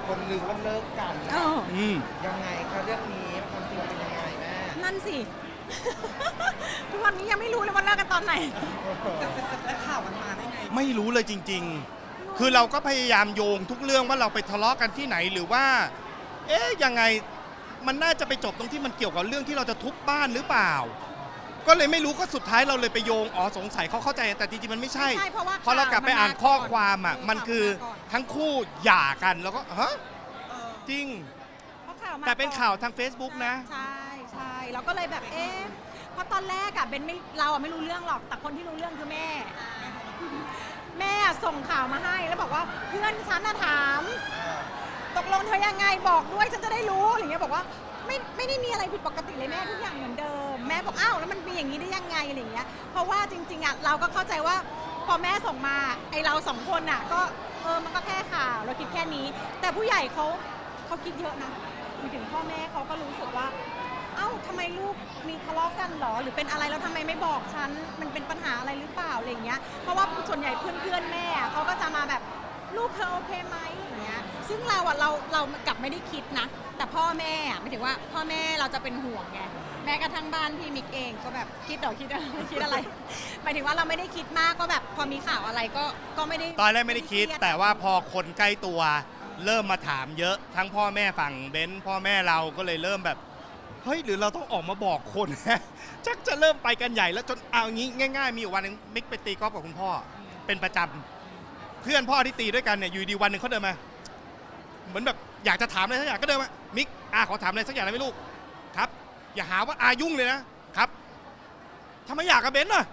คนลือว่าเลิกกัน ยังไงคะเรื่องนี้ความจริงเป็นยังไงแม่นั่นสิ ทุกวันนี้ยังไม่รู้เลยว่าเลิกกันตอนไหนและข่าวมันมาได้ไงไม่รู้เลยจริงๆ คือเราก็พยายามโยงทุกเรื่องว่าเราไปทะเลาะกันที่ไหนหรือว่า ยังไงมันน่าจะไปจบตรงที่มันเกี่ยวกับเรื่องที่เราจะทุบบ้านหรือเปล่า ก็เลยไม่รู้ก็สุดท้ายเราเลยไปโยงสงสัยเขาเข้าใจแต่จริงๆมันไม่ใช่เพราะเรากลับไปอ่านข้อความอ่ะมันคือทั้งคู่หย่ากันแล้วก็ฮะจริงแต่เป็นข่าวทาง Facebook นะใช่ใช่เราก็เลยแบบเพราะตอนแรกอะเบนเราไม่รู้เรื่องหรอกแต่คนที่รู้เรื่องคือแม่ แม่ส่งข่าวมาให้แล้วบอกว่าเพื่อนฉันน่ะถามตกลงเธอยังไงบอกด้วยฉันจะได้รู้อะไรเงี้ยบอกว่าไม่ได้มีอะไรผิดปกติเลยแม่ทุกอย่างเหมือนเดิมแม่บอกอ้าวแล้วมันเป็นอย่างนี้ได้ยังไงอะไรเงี้ยเพราะว่าจริงๆอะเราก็เข้าใจว่าพอแม่ส่งมาไอเราสองคนอะก็มันก็แค่ข่าวเราคิดแค่นี้แต่ผู้ใหญ่เขาคิดเยอะนะถึงพ่อแม่เขาก็รู้สึกว่าเอ้าทำไมลูกมีทะเลาะกันหรอหรือเป็นอะไรแล้วทำไมไม่บอกฉันมันเป็นปัญหาอะไรหรือเปล่าอะไรเงี้ยเพราะว่าส่วนใหญ่เพื่อนแม่เขาก็จะมาแบบลูกเธอโอเคไหมอย่างเงี้ยซึ่งเรากลับไม่ได้คิดนะแต่พ่อแม่หมายถึงว่าพ่อแม่เราจะเป็นห่วงไงแม้กระทั่งบ้านพี่มิกเองก็แบบคิดอะไรหมายถึงว่าเราไม่ได้คิดมากก็แบบพอมีข่าวอะไรก็ไม่ได้ตอนแรกไม่ได้คิดแต่ว่าพอคนใกล้ตัวเริ่มมาถามเยอะทั้งพ่อแม่ฝั่งเบนซ์พ่อแม่เราก็เลยเริ่มแบบเฮ้ยหรือเราต้องออกมาบอกคนชักจะเริ่มไปกันใหญ่แล้วจนเอางี้ง่ายๆมีอยู่วันนึงมิกไปตีกอล์ฟกับคุณพ่อเป็นประจำเพื่อนพ่อที่ตีด้วยกันเนี่ยอยู่ดีวันหนึ่งเขาเดินมาเหมือนแบบอยากจะถามอะไรสักอย่างก็เดินมามิกขอถามอะไรสักอย่างได้ไหมลูกครับอย่าหาว่ายุ่งเลยนะครับทำไมอยากกับเบนซ์น่ะ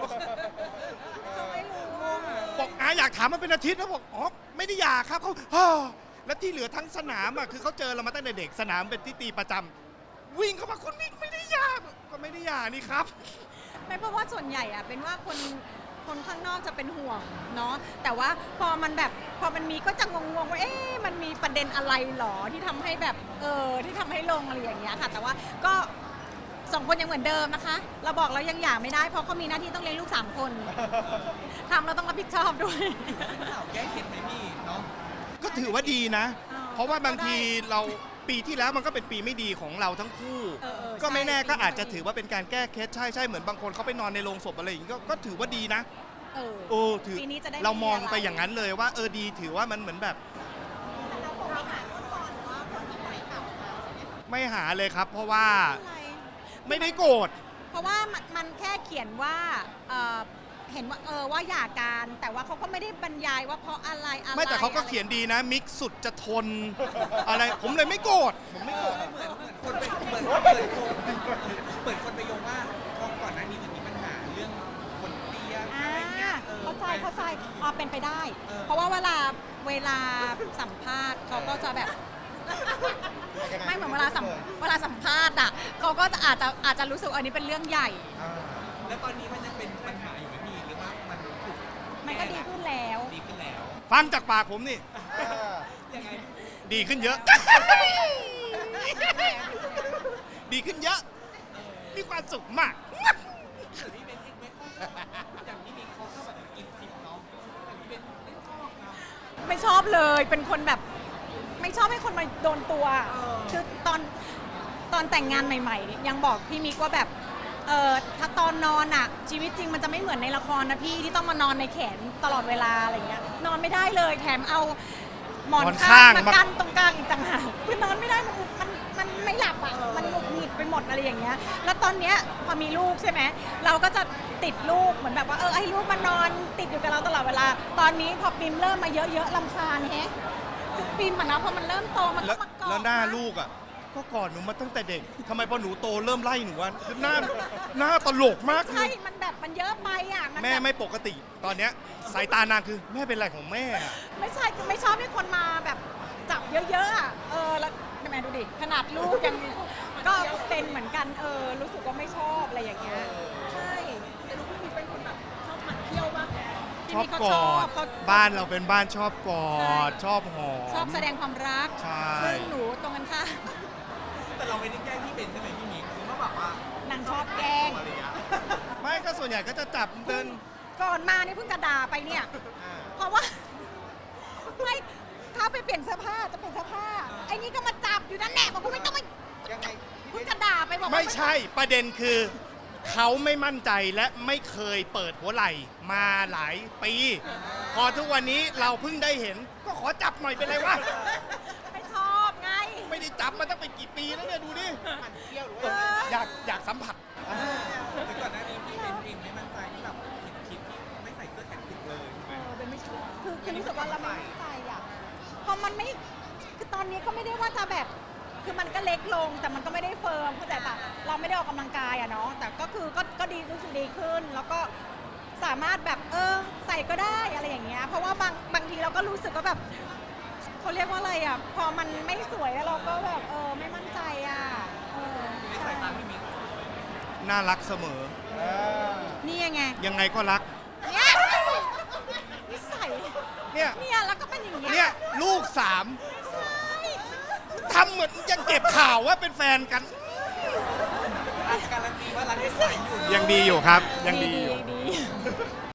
บอกอยากถามมันเป็นอาทิตย์นะบอกไม่ได้อยากครับเขาแล้วที่เหลือทั้งสนามคือเขาเจอเรามาตั้งแต่เด็กสนามเป็นที่ตีประจำวิ่งเข้ามาคนมิกไม่ได้อยากก็ไม่ได้อยากนี่ครับไม่เพราะว่าส่วนใหญ่เป็นว่าคนข้างนอกจะเป็นห่วงเนาะแต่ว่าพอมันมีก็จะงงว่ามันมีประเด็นอะไรหรอที่ทำให้แบบที่ทำให้ลงอะไรอย่างเงี้ยค่ะแต่ว่าก็2 คนยังเหมือนเดิมนะคะเราบอกเรายังหย่าไม่ได้เพราะเขามีหน้าที่ต้องเลี้ยงลูก3 คนทำเราต้องรับผิดชอบด้วยข่าวแก้เคล็ดไหมพี่เนาะก็ถือว่าดีนะเพราะว่าบางทีเราปีที่แล้วมันก็เป็นปีไม่ดีของเราทั้งคู่ก็ไม่แน่ก็อาจจะถือว่าเป็นการแก้เคล็ดใช่เหมือนบางคนเขาไปนอนในโรงศพอะไรอย่างนี้ก็ถือว่าดีนะถือเรามองไปอย่างนั้นเลยว่าดีถือว่ามันเหมือนแบบไม่หาเลยครับเพราะว่าไม่ได้โกรธเพราะว่ามันแค่เขียนว่าเห็นว่าว่าหย่ากันแต่ว่าเขาก็ไม่ได้บรรยายว่าเพราะอะไรไม่แต่เขาก็เขียนดีนะมิกสุดจะทนอะไรผมเลยไม่โกรธผมไม่โกรธเหมือนคนไปเปิดคนไปโยงว่าก่อนหน้านี้มีปัญหาเรื่องคนเตี้ยอะไรเงี้ยเข้าใจเป็นไปได้เพราะว่าเวลาสัมภาษณ์เขาก็จะแบบไม่เหมือนเวลาสัมภาษณ์เขาก็อาจจะรู้สึกอันนี้เป็นเรื่องใหญ่แล้วตอนนี้มันยังเป็นปัญหาอยู่ไหมพี่หรือว่ามันถูกมันก็ดีขึ้นแล้วฟังจากปากผมนี่ยังไงดีขึ้นเยอะดีขึ้นเยอะมีความสุขมากพี่เบนอย่างนี้มีเขาชอบแบบกินทิพย์เนาะพี่เบนไม่ชอบเลยเป็นคนแบบไม่ชอบให้คนมาโดนตัวคือตอนแต่งงานใหม่ๆยังบอกพี่มิกว่าแบบถ้าตอนนอนชีวิตจริงมันจะไม่เหมือนในละครนะพี่ที่ต้องมานอนในแขนตลอดเวลาอะไรเงี้ยนอนไม่ได้เลยแถมเอาหมอนข้างมากั้นตรงกลางอีกต่างหากคือนอนไม่ได้มันไม่หลับมันหงุดหงิดไปหมดอะไรอย่างเงี้ยแล้วตอนเนี้ยพอมีลูกใช่ไหมเราก็จะติดลูกเหมือนแบบว่าให้ลูกมานอนติดอยู่กับเราตลอดเวลาตอนนี้พอปิมเริ่มมาเยอะๆรำคาญปิมนะพอมันเริ่มโตมันก็มากอดแล้วหน้าลูกก็กอดหนูมาตั้งแต่เด็กทำไมพอหนูโตเริ่มไล่หนูหน้าตลกมากใช่มันแบบมันเยอะไปแม่ไม่ปกติตอนเนี้ยสายตานางคือแม่เป็นอะไรของแม่ไม่ใช่คือไม่ชอบให้คนมาแบบจับเยอะๆแล้วแม่ดูดิขนาดลูกยังก็เป็นเหมือนกันรู้สึกว่าไม่ชอบอะไรอย่างเงี้ยใช่แต่ลูกพี่มีเป็นคนแบบชอบหมั่นเที่ยวปะชอบกอดบ้านเราเป็นบ้านชอบกอดชอบหอมชอบแสดงความรักซึ่งหนูตรงกันค่ะแต่เราไม่ได้แกล้งพี่เบนใช่ไหมพี่มิกคือว่าแบบว่านางชอบแกล้งไม่ก็ส่วนใหญ่ก็จะจับเดินก่อนมานี่เพิ่งจะด่าไปเนี่ยเพราะว่าไม่เข้าไปเปลี่ยนเสื้อผ้าจะเปลี่ยนเสื้อผ้าไอ้นี่ก็มาจับอยู่นั่นแหละบอกกูไม่ต้องไปยังไงคุณจะด่าไปบอกว่าไม่ใช่ประเด็นคือเขาไม่มั่นใจและไม่เคยเปิดหัวไหล่มาหลายปี พอทุกวันนี้เราเพิ่งได้เห็น ก็ขอจับหน่อยเป็นไรวะไม่ชอบไงไม่ได้จับมาตั้งเป็นกี่ปีแล้วเนี่ยดูดิมันเที่ยวหรือเอว่าออยากสัมผัสแต่ก่อนหน้านี้พี่เป็นเองไม่มั่นใจที่แบบเห็นคลิปที่ไม่ใส่เสื้อแขนกุดเลยใช่ไหมเป็นไม่ชอบคือรู้สึกว่าเราไม่มั่นใจอ่ะพอมันไม่คือตอนนี้ก็ไม่ได้ว่าจะแบบ คือมันก็เล็กลงแต่มันก็ไม่ได้เฟิร์มเข้าใจปะเราไม่ได้ออกกำลังกายอะเนาะแต่ก็คือก็ดีรู้สึกดีขึ้น แล้วก็สามารถแบบใส่ก็ได้อะไรอย่างเงี้ยเพราะว่าบางทีเราก็รู้สึกว่าแบบเขาเรียกว่าอะไรอะพอมันไม่สวยแล้วเราก็แบบไม่มั่นใจอะในสาใช่ยตาพี่มิ้นน่ารักเสมอนี่ยังไงยังไงก็รักเนี่ยนิสัยเนี่ยเนี่ยแล้วก็เป็นอย่างเงี้ยเนี่ยลูกสามใช่ทำเหมือนยังเก็บข่าวว่าเป็นแฟนกันการันตีว่ารักได้สายอยู่ยังดีอยู่ครับ ยังดีอยู่ดี